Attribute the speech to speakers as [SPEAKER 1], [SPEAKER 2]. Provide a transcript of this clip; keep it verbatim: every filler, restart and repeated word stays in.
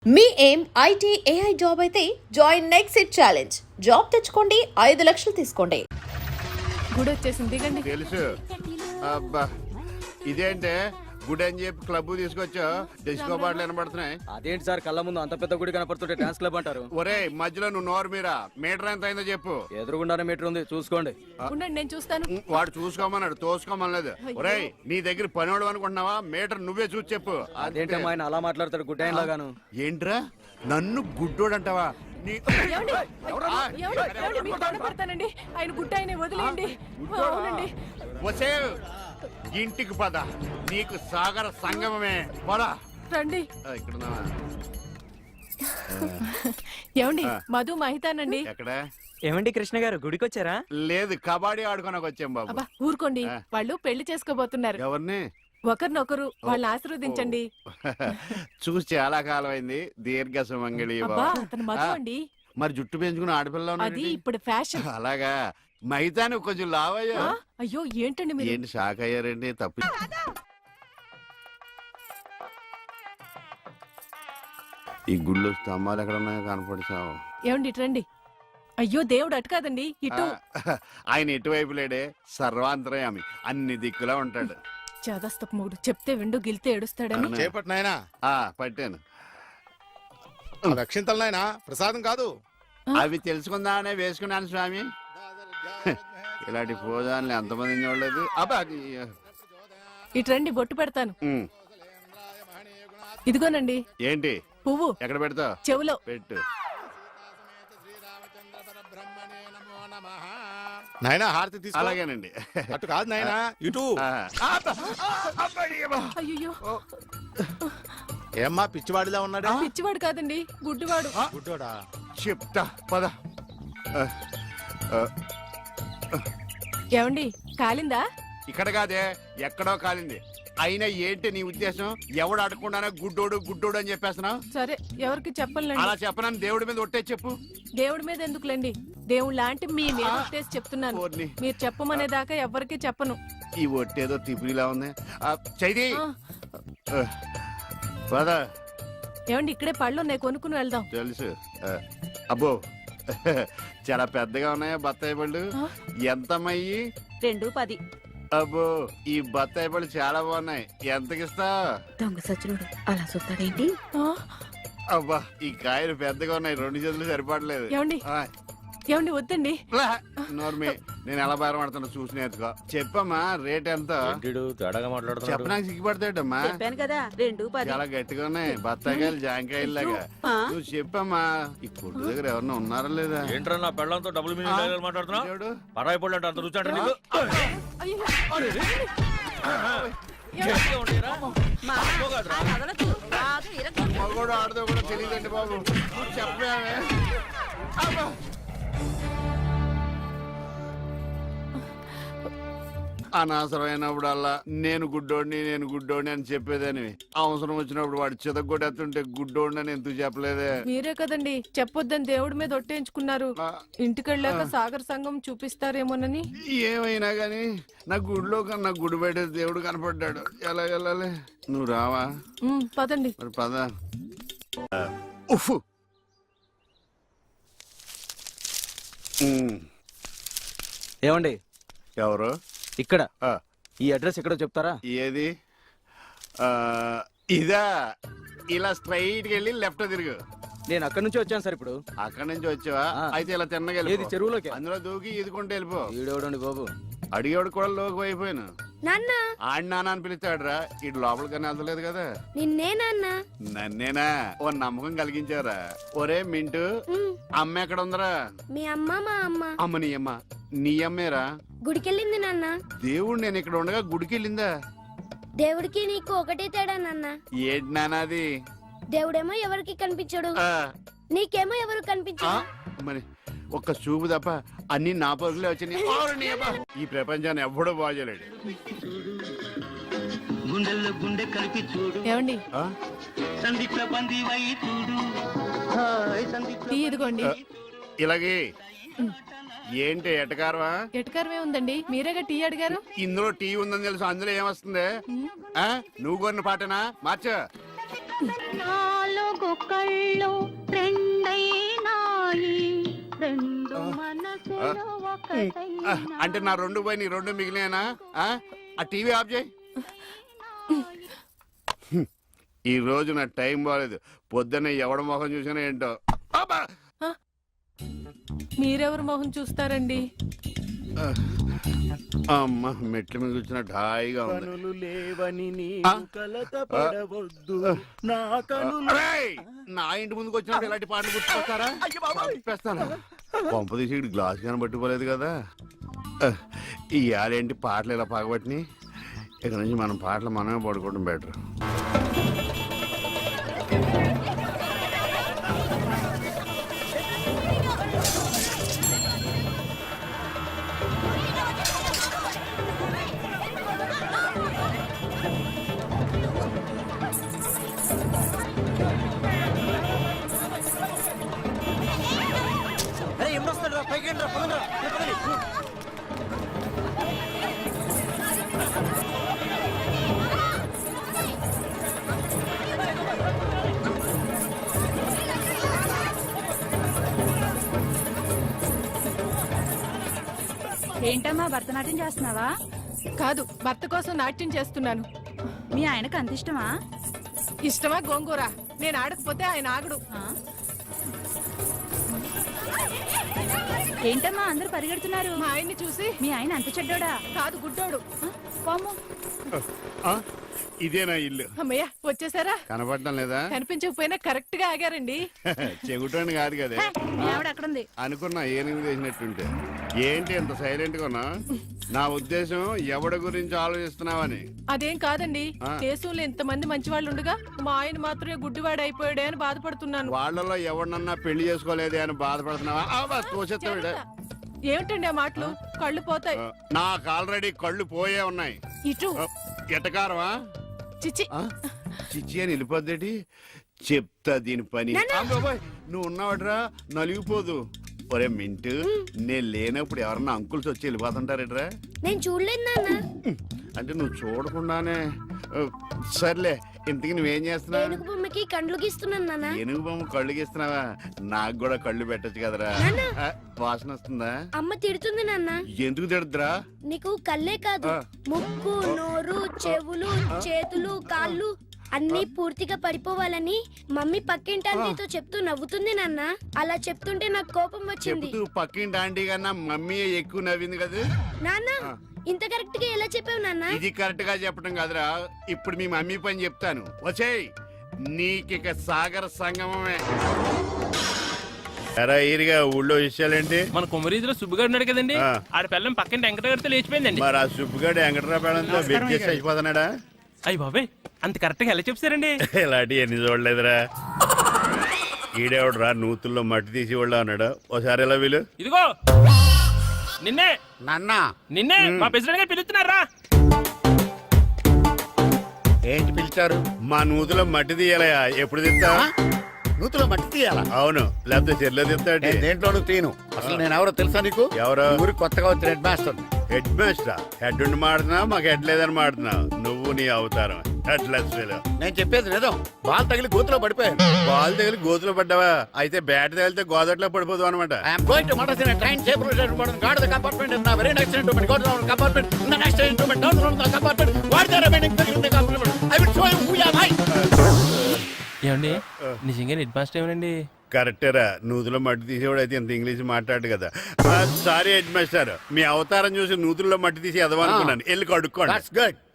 [SPEAKER 1] మీ ఏం IT AI job అయితే join next it challenge. Job తెచ్చుకోండి, ఐదు లక్షలు తీసుకోండి.
[SPEAKER 2] గుడి వచ్చేసింది, దిగండి.
[SPEAKER 3] తెలుసు. అబ్బా ఇదేంటే గుడి అని చెప్పి క్లబ్ తీసుకొచ్చా, డిస్కో బాటలు వినబడుతున్నాయి.
[SPEAKER 4] అదేంటి సార్, కళ్ళ ముందు అంత పెద్ద గుడి కనపడుతుంటే డాన్స్ క్లబ్ అంటారు?
[SPEAKER 3] ఒరే మధ్యలో నువ్వు నోరు మీరా, మీటర్ ఎంత అయిందో చెప్పు.
[SPEAKER 4] ఎదురుగుండానే మీటర్ ఉంది, చూసుకోండి.
[SPEAKER 2] ఉండండి, నేను చూస్తాను.
[SPEAKER 3] వాడు చూసుకోమన్నాడు, తోసుకోమనలేదు. ఒరే నీ దగ్గర పనివాడు అనుకుంటున్నావా? మీటర్ నువ్వే చూసి చెప్పు.
[SPEAKER 4] అదేంటి అమ్మా ఆయన అలా మాట్లాడతాడు గుడ్డ ఆయన లాగాను?
[SPEAKER 3] ఏంట్రా నన్ను గుడ్డోడు అంటావా?
[SPEAKER 2] ఏమండి? ఏమండి? ఏమండి? మీకు దండం పెడతానండి. ఆయన గుడ్డ ఆయన వదిలేయండి. అవునండి.
[SPEAKER 3] వసే ఇంటికి పద, నీకు సాగర సంగమమే. పద
[SPEAKER 2] రండి.
[SPEAKER 3] ఇక్కడ
[SPEAKER 2] ఏమండి? మధు మహితానండి.
[SPEAKER 3] ఎక్కడ?
[SPEAKER 5] ఏమండి కృష్ణ గారు, గుడికి వచ్చారా?
[SPEAKER 3] లేదు, కబడ్డీ ఆడుకోనకు వచ్చాం బాబు.
[SPEAKER 2] అబ్బా ఊరుకోండి, వాళ్ళు పెళ్లి చేసుకోబోతున్నారు.
[SPEAKER 3] ఎవరిని?
[SPEAKER 2] ఒకరినొకరు వాళ్ళని ఆశీర్వదించండి.
[SPEAKER 3] చూసి చాలా కాలం అయింది. దీర్ఘ సుమంగళి.
[SPEAKER 2] అబ్బా అతను మధు అండి.
[SPEAKER 3] మరి జుట్టు పెంచుకుని ఆడపిల్ల
[SPEAKER 2] అది ఇప్పుడు ఫ్యాషన్.
[SPEAKER 3] అలాగా? మైతాను కొంచెం లావయ్యా.
[SPEAKER 2] అయ్యో ఏంటండి మీరు?
[SPEAKER 3] ఏంటి షాక్ అయ్యారండి? తప్పు. ఈ గుళ్ళు స్తంభాలు ఎక్కడ ఉన్నాయో కనపడిచావు.
[SPEAKER 2] ఏమండి ఇటు రండి. అయ్యో దేవుడు అటు కాదండి, ఇటు.
[SPEAKER 3] ఆయన ఎటువైపు లేడే, సర్వాంతరయామి, అన్ని దిక్కులా ఉంటాడు.
[SPEAKER 2] చాదస్తపు మూడు చెప్తే విండు గిలితే ఏడుస్తాడని.
[SPEAKER 6] చేపట్టు నాయనా.
[SPEAKER 3] ఆ పట్టాను.
[SPEAKER 6] రక్షింతలు నాయనా, ప్రసాదం కాదు.
[SPEAKER 3] అవి తెలుసుకుందామనే వేసుకున్నాను స్వామి. ఇలాంటి పోదాన్ని ఎంతమంది చూడలేదు. అబ్బా
[SPEAKER 2] ఇటు రండి, బొట్టు పెడతాను.
[SPEAKER 3] ఉమ్.
[SPEAKER 2] ఇదిగోనండి.
[SPEAKER 3] ఏంటి?
[SPEAKER 2] పువ్వు.
[SPEAKER 3] ఎక్కడ పెడతావు?
[SPEAKER 2] చెవులో
[SPEAKER 3] పెట్టు.
[SPEAKER 6] నాయనా హారతి తీసుకో.
[SPEAKER 3] అలాగేనండి.
[SPEAKER 6] అటు కాదు నాయనా, ఇటు.
[SPEAKER 2] అయ్యో
[SPEAKER 6] ఏమ్మా పిచ్చివాడిలా ఉన్నాడా?
[SPEAKER 2] పిచ్చివాడు కాదండి, గుడ్డివాడు.
[SPEAKER 6] గుడ్డోడా?
[SPEAKER 3] చెప్తా పద.
[SPEAKER 2] ఏమండి కాలిందా?
[SPEAKER 3] ఇక్కడ కాదే, ఎక్కడో కాలింది. అయినా ఏంటి నీ ఉద్దేశం? ఎవడు అడగకుండానే గుడ్డోడు గుడ్డోడు అని చెప్పేస్తున్నావు?
[SPEAKER 2] సరే, ఎవరికి చెప్పలేండి.
[SPEAKER 3] అలా చెప్పనని దేవుడి మీద ఒట్టే చెప్పు.
[SPEAKER 2] దేవుడి మీద ఎందుకులేండి, దేవుడు లాంటి మీ మీద ఒట్టేసి చెప్తున్నాను.
[SPEAKER 3] ఓర్ని.
[SPEAKER 2] మీరు చెప్పమనేదాకా ఎవరికి చెప్పను.
[SPEAKER 3] ఈ ఒట్టేదో తిప్పిలా ఉంది. చైది పద.
[SPEAKER 2] ఏమండి ఇక్కడే పళ్ళు ఉన్నాయి, కొనుక్కుని వెళ్దాం.
[SPEAKER 3] తెలుసు. అబ్బో చాలా పెద్దగా ఉన్నాయా బత్తాయి పళ్ళు? ఎంతమ్మయ్యి?
[SPEAKER 7] రెండు పది.
[SPEAKER 3] అబ్బో ఈ బత్తాయి పళ్ళు చాలా బాగున్నాయి. ఎంతకిస్తా?
[SPEAKER 7] దొంగ సచ్చినోడు అలా చూస్తాడేంటి?
[SPEAKER 3] అబ్బా ఈ కాయలు పెద్దగా ఉన్నాయి, రెండు చేతులు సరిపడలేదు.
[SPEAKER 2] ఏమండి ఏమండి వద్దండి.
[SPEAKER 3] నోర్మి, నేను ఎలా బేరమాడుతున్నా చూసి నేర్చుకో. చెప్పమ్మా రేట్ ఎంత? చెప్పడానికి సిగ్గుపడతాడమ్మా.
[SPEAKER 7] చెప్పాను కదా, రెండు పది.
[SPEAKER 3] చాలా గట్టిగా ఉన్నాయి బత్తాయికాయలు, జాంకాయలు లాగా. నువ్వు చెప్పమ్మా. ఈ కొట్టు దగ్గర ఎవరన్నా ఉన్నారా లేదా?
[SPEAKER 8] ఏంట్రా నా పెళ్ళంతో డబుల్ మీనింగ్ మాట్లాడుతున్నావు? పరాయి పళ్ళు అంటే అంత రుచి అంటే నీకు?
[SPEAKER 3] మగోడు ఆడదో కూడా తెలియదండి బాబు. చెప్పామే. అనవసరమైనప్పుడల్లా నేను గుడ్డోడిని నేను గుడ్డోడిని అని చెప్పేదని, అవసరం వచ్చినప్పుడు వాడు చితగొట్టేస్తుంటే గుడ్డోడిని అని ఎందుకు చెప్పలేదే?
[SPEAKER 2] మీరే కదండి చెప్పొద్దని దేవుడి మీద ఒట్టేయించుకున్నారు. ఇంటికెళ్ళాక సాగర్ సంఘం చూపిస్తారేమోనని.
[SPEAKER 3] ఏమైనా గాని నా గుడిలో కన్నా గుడి బయట దేవుడు కనపడ్డాడు. ఎలా వెళ్ళాలి? నువ్వు రావా?
[SPEAKER 2] పదండి.
[SPEAKER 3] మరి పద. ఉఫ్.
[SPEAKER 4] ఏమండి?
[SPEAKER 3] ఎవరు?
[SPEAKER 4] ఇక్కడ ఈ అడ్రస్ ఎక్కడో చెప్తారా?
[SPEAKER 3] ఏది? ఇదా? ఇలా స్ట్రైట్ వెళ్ళి లెఫ్ట్ తిరుగు.
[SPEAKER 4] నేను అక్కడి నుంచి వచ్చాను సార్. ఇప్పుడు
[SPEAKER 3] అక్కడి నుంచి వచ్చావా? అయితే ఇలా తిన్నగా
[SPEAKER 4] చెరువులోకి
[SPEAKER 3] అందులో దూకి ఈదుకుంటూ వెళ్ళిపో.
[SPEAKER 4] ఈడేవడండి బాబు,
[SPEAKER 3] అడిగేవాడు కూడా లోకి అయిపోయాను.
[SPEAKER 7] నాన్న
[SPEAKER 3] ఆడి నాన్న అని పిలుస్తాడు రా. ఇటు లోపలికన్నా వెళ్తలేదు కదా.
[SPEAKER 7] నిన్నే నాన్న.
[SPEAKER 3] నన్నేనా? ఓ నమ్మకం కలిగించారా? ఒరే మింటూ, అమ్మ ఎక్కడ ఉందరా?
[SPEAKER 7] మీ అమ్మ మా అమ్మ.
[SPEAKER 3] అమ్మ నీ అమ్మ? నీ అమ్మేరా?
[SPEAKER 7] గుడికెళ్ళింది నాన్న.
[SPEAKER 3] దేవుడు నేను ఇక్కడ ఉండగా గుడికి వెళ్ళిందా?
[SPEAKER 7] దేవుడికి నీకు ఒకటే తేడా నాన్న.
[SPEAKER 3] ఏంటి నానాది?
[SPEAKER 7] దేవుడేమో ఎవరికి కనిపించడు, నీకేమో ఎవరు కనిపించడు.
[SPEAKER 3] మరి ఒక్క చూపు తప్ప అన్ని నా పరుగులే వచ్చినాయి. ఈ ప్రపంచాన్ని ఎవ్వడూ బాగోలేడు.
[SPEAKER 2] ఏమండి టీ ఇదిగోండి.
[SPEAKER 3] ఇలాగే ఏంటి ఎటకారమా?
[SPEAKER 2] ఎటకారమే ఉందండి, మీరేగా టీ అడిగారు.
[SPEAKER 3] ఇందులో టీ ఉందని తెలుసు, అందులో ఏమొస్తుంది? నువ్వు కొన్న పాటనా? మార్చ
[SPEAKER 9] నాలుగు కళ్ళు రెండైనాయి రెండు మనసులు
[SPEAKER 3] ఆ, అంటే నా రెండు పోయి నీ రెండు మిగిలినా ఆ టీవీ ఆఫ్ చేయి. హ్మ్. ఈ రోజు నా టైం బాగాలేదు. పొద్దున్న ఎవడ మొహం చూసినా ఏంటో. అబ్బా!
[SPEAKER 2] మీరెవరు మొహం చూస్తారండి?
[SPEAKER 3] అమ్మ మెట్ల మీద కూర్చున్నట్టు హాయిగా ఉంది.
[SPEAKER 4] కనులు లేవని
[SPEAKER 3] ఆ?
[SPEAKER 4] కలత పడవద్దు నా
[SPEAKER 3] అరేయ్! నా ఇంటి ముందుకు వచ్చినప్పుడు ఇలాంటి పాటలు గుర్తుకొస్తారా? చంపేస్తాను. పంప తీసి ఇక్కడ గ్లాస్ కానీ పట్టుకోలేదు కదా. ఈ ఆలేంటి పాటలు ఇలా పగబట్టినాయి. ఇక్కడ నుంచి మనం పాటలు మనమే పడుకోవడం బెటర్.
[SPEAKER 9] ఏంటమ్మా భరతనాట్యం చేస్తున్నావా?
[SPEAKER 2] కాదు, భర్త కోసం నాట్యం చేస్తున్నాను.
[SPEAKER 9] మీ ఆయనకు అంత ఇష్టమా?
[SPEAKER 2] ఇష్టమా గోంగూర? నేను ఆడకపోతే ఆయన ఆగడు.
[SPEAKER 9] ఆ? ఏంటమ్మా అందరూ పరిగెడుతున్నారు?
[SPEAKER 2] మా ఆయన్ని చూసి
[SPEAKER 9] మీ ఆయన అంత చెడ్డోడా?
[SPEAKER 2] కాదు, గుడ్డోడు.
[SPEAKER 9] ఆ? పాము.
[SPEAKER 3] ఆ? ఇదేనా ఇల్లు?
[SPEAKER 2] అమ్మయ్య, వచ్చేసారా?
[SPEAKER 3] కనపడటం లేదా?
[SPEAKER 2] కనిపించకపోయినా కరెక్ట్ గా ఆగారండి.
[SPEAKER 3] చెగుటోని కాదు కదా.
[SPEAKER 9] మీ ఆవిడ అక్కడుంది.
[SPEAKER 3] అనుకున్నా ఏనుగు చేసినట్టుంటే. ఏంటి ఎంత సైలెంట్ గా ఉన్నా? నా ఉద్దేశం ఎవడి గురించి ఆలోచిస్తున్నావని.
[SPEAKER 2] అదేం కాదండి,
[SPEAKER 3] ఆ.
[SPEAKER 2] దేశంలో ఇంతమంది మంచి వాళ్ళు ఉండగా మా ఆయన మాత్రమే గుడ్డివాడు అయిపోయాడే అని బాధపడుతున్నాను.
[SPEAKER 3] వాళ్ళలో ఎవరినన్నా పెళ్లి చేసుకోలేదే అని బాధపడుతున్నావా? ఆ, బా, తోసేస్తావు ఈడ.
[SPEAKER 2] ఏమిటండి ఆ మాటలు? కళ్ళు పోతాయి.
[SPEAKER 3] ఆ, నాకు ఆల్రెడీ కళ్ళు పోయే ఉన్నాయి.
[SPEAKER 2] ఇటు
[SPEAKER 3] ఆ, ఎటకారమా?
[SPEAKER 2] చిచి.
[SPEAKER 3] ఆ? చిచ్చి అని వెళ్ళిపోద్దేటి? చెప్తా దీని పని. ఆ, బాబోయ్, నువ్వు ఉన్నావట్రా, నలిగిపోదు. ఒరే మింటు, నేను లేనప్పుడు ఎవరన్నా అంకుల్స్ వచ్చి వెళ్ళిపోతుంటారేట్రా?
[SPEAKER 7] నేను చూడలేదు నాన్న.
[SPEAKER 3] అంటే నువ్వు చూడకుండానే. ఆ, సర్లే, ఇంతకి నువ్వేం చేస్తున్నావు?
[SPEAKER 7] ఏనుగు బొమ్మకి కండ్లు గీస్తున్నాను నాన్న.
[SPEAKER 3] ఏనుగు బొమ్మ కళ్ళు గీస్తున్నావా? నాకు కూడా కళ్ళు పెట్టచ్చు కదరా.
[SPEAKER 7] నాన్న.
[SPEAKER 3] ఆ, వాసన వస్తుందా?
[SPEAKER 7] అమ్మ తిడుతుంది నాన్న.
[SPEAKER 3] ఎందుకు తిడద్దురా?
[SPEAKER 7] నీకు కళ్ళే కాదు,
[SPEAKER 3] ఆ.
[SPEAKER 7] ముక్కు, నోరు, చెవులు, చేతులు, కాళ్ళు అన్ని పూర్తిగా పడిపోవాలని మమ్మీ పక్కింటి ఆంటీతో చెప్తూ నవ్వుతుంది నాన్న. అలా చెప్తుంటే నాకు కోపం వచ్చింది.
[SPEAKER 3] చెబుతూ పక్కింటి ఆంటీ కన్నా మమ్మీ ఎక్కువ నవ్వింది కదా.
[SPEAKER 7] నాన్న
[SPEAKER 3] ఆ.
[SPEAKER 7] ఇంత కరెక్ట్ గా ఎలా చెప్పావు నాన్న?
[SPEAKER 3] ఇది కరెక్ట్ గా చెప్పడం కాదురా. ఇప్పుడు మీ మమ్మీ పని చెప్తాను. వచ్చేయ్, నీకిక సాగర సంగమమే. ఎరా ఈరిగా ఊళ్ళో విషయాలేంటి?
[SPEAKER 8] మన కుమరీజులో సుబ్బుగాడు ఉన్నాడు కదండి,
[SPEAKER 3] ఆ.
[SPEAKER 8] ఆడ పిల్లం పక్కన వెంకటగారితో లేచిపోయిందండి.
[SPEAKER 3] మరి ఆ సుబ్బుగాడు వెంకటరాపేడంతో వెచ్చేసి అయిపోతున్నాడా?
[SPEAKER 8] అయ్యి బాబాయ్, అంత కరెక్ట్ గా ఎలా చెప్తారండి?
[SPEAKER 3] ఇలాంటి ఎన్ని చూడలేదురా. ఈడేవడరా నూతుల్లో మట్టి తీసి వాళ్ళు అన్నాడు. ఓసారి ఎలా వీలు?
[SPEAKER 8] ఇదిగో నిన్నే
[SPEAKER 3] నాన్న
[SPEAKER 8] నిన్నే మా ప్రెసిడెంట్ గారు పిలుస్తున్నారా?
[SPEAKER 3] ఏంటి పిలిచారు? మా నూతులో మట్టి తీయాలయా? ఎప్పుడు తీస్తా?
[SPEAKER 6] నూతులో మట్టి తీయాలా?
[SPEAKER 3] అవును, లేకపోతే చెల్లె తీస్తాడు.
[SPEAKER 6] నేను దేంట్లోనూ తీను. అసలు నేను ఎవరో తెలుసా నీకు?
[SPEAKER 3] ఎవరు?
[SPEAKER 6] ఊరికి కొత్తగా వచ్చిన head master.
[SPEAKER 3] Head master. Head ఉండి మాడుతున్నావు, మాకు హెడ్ లేదని మాడుతున్నావు. నువ్వు నీ అవతారం హెడ్ లెస్ ఫెలో.
[SPEAKER 6] నేను చెప్పేది నిజం. బాల్ తగిలి గోతులో పడిపోయాను.
[SPEAKER 3] బాల్ తగిలి గోతులో పడ్డావా? అయితే బ్యాట్ తగిలితే గోదట్లో పడిపోదు అనమాట.
[SPEAKER 6] I'm going to motor in train safe route guard the compartment in the very next instrument go down compartment in the next instrument down from the compartment what the remaining thing in the compartment I will show you who am I.
[SPEAKER 8] ఏమండి నిజంగా head master ఏమనండి?
[SPEAKER 3] కరెక్టేరా, నూతులో మట్టి తీసేవాడు అయితే ఇంత English మాట్లాడు కదా. Sorry head master, మీ అవతారం చూసి నూతుల్లో మట్టి తీసి ఎదవనుకున్నాను. వెళ్ళి కడుక్కోండి.
[SPEAKER 6] That's good.